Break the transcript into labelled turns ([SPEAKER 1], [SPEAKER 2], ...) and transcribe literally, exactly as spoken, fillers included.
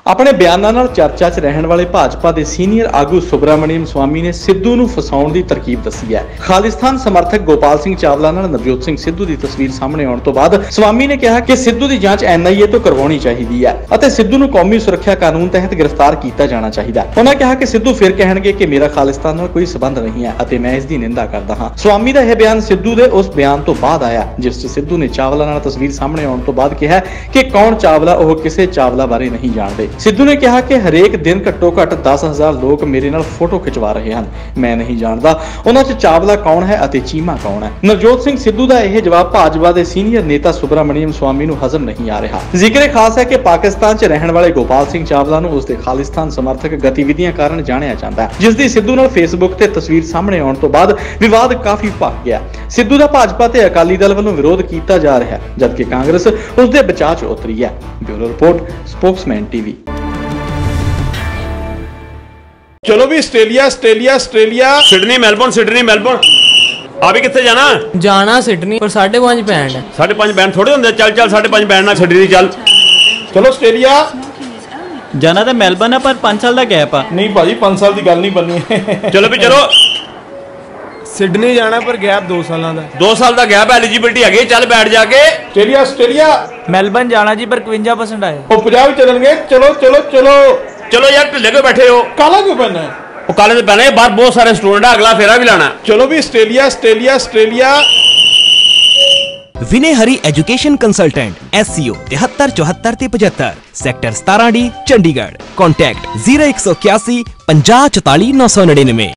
[SPEAKER 1] अपने बयानां नाल चर्चा च रहने वाले भाजपा के सीनियर आगू सुब्रमण्यम स्वामी ने सिद्धू नूं फसाउण दी तरकीब दसी है। खालिस्तान समर्थक गोपाल सिंह चावला नाल नवजोत सिंह सिद्धू की तस्वीर सामने आउण तो बाद स्वामी ने कहा कि सिद्धू की जांच एन आई ए तो करवाउणी चाहीदी है अते सिद्धू नूं कौमी सुरक्षा कानून तहत गिरफ्तार किया जाना चाहिए। उन्होंने कहा कि सिद्धू फिर कहणगे कि मेरा खालिस्तान नाल कोई संबंध नहीं है अते मैं इसकी निंदा करदा हां। स्वामी का यह बयान सिद्धू के उस बयान तो बाद आया जिस च सिद्धू ने चावला नाल तस्वीर सामने आउण तो बाद कहा कि कौन चावला वह किसी चावला बारे नहीं जानते। सिद्धू ने कहा कि हरेक दिन घट्टो घट दस हजार लोग मेरे नाल फोटो खिंचवा रहे हैं, मैं नहीं जानता उन्हां च चावला कौन है अते चीमा कौन है। नवजोत सिंह सिद्धू का यह जवाब भाजपा के सीनियर नेता सुब्रमण्यम स्वामी नूं हजम नहीं आ रहा। जिक्र खास है कि पाकिस्तान च रहने वाले गोपाल सिंह चावला नूं उसके खालिस्तान समर्थक गतिविधियां कारण जानिया जाता है, जिसकी सिद्धू नाल फेसबुक ते तस्वीर सामने आउण तो बाद विवाद काफी भख गया। सिद्धू का भाजपा ते अकाली दल वालों विरोध किया जा रहा है जबकि कांग्रेस उसके बचाव च उतरी है। Bureau report, spokesman TV.
[SPEAKER 2] चलो भी Australia Australia Australia Sydney Melbourne Sydney Melbourne आप कितने जाना
[SPEAKER 3] जाना सिडनी पर साढ़े पांच बैंड है।
[SPEAKER 2] साढ़े पांच बैंड थोड़े होंगे, चल चल साढ़े पांच बैंड ना सिडनी चल। चलो ऑस्ट्रेलिया
[SPEAKER 4] जाना तो मेलबर्न है पर पांच साल का गैप है।
[SPEAKER 2] नहीं भाजी पांच साल की गल नहीं बननी। चलो भी चलो
[SPEAKER 5] सिडनी जाना पर गैप दो साल का
[SPEAKER 2] दो साल का गैप एलिजिबिलिटी है, चल बैठ जाके। ऑस्ट्रेलिया ऑस्ट्रेलिया
[SPEAKER 4] मेलबर्न जाना जी पर इक्वंजा परसेंट आए
[SPEAKER 2] वो पंजाब चलणगे। चलो चलो चलो चलो यार ढिले क्यों बैठे हो, काला क्यों पहना है? वो काले तो पहने बाहर बहुत सारे स्टूडेंट है, अगला फेरा भी लाना। चलो भी Australia Australia Australia.
[SPEAKER 6] Vinay Hari education consultant S C O तिहत्तर चौहत्तर ते पचहत्तर सैक्टर सतारा डी चंडीगढ़। कॉन्टैक्ट जीरो एक सौ इक्यासी पंजाह चौताली नौ सौ निन्यानवे।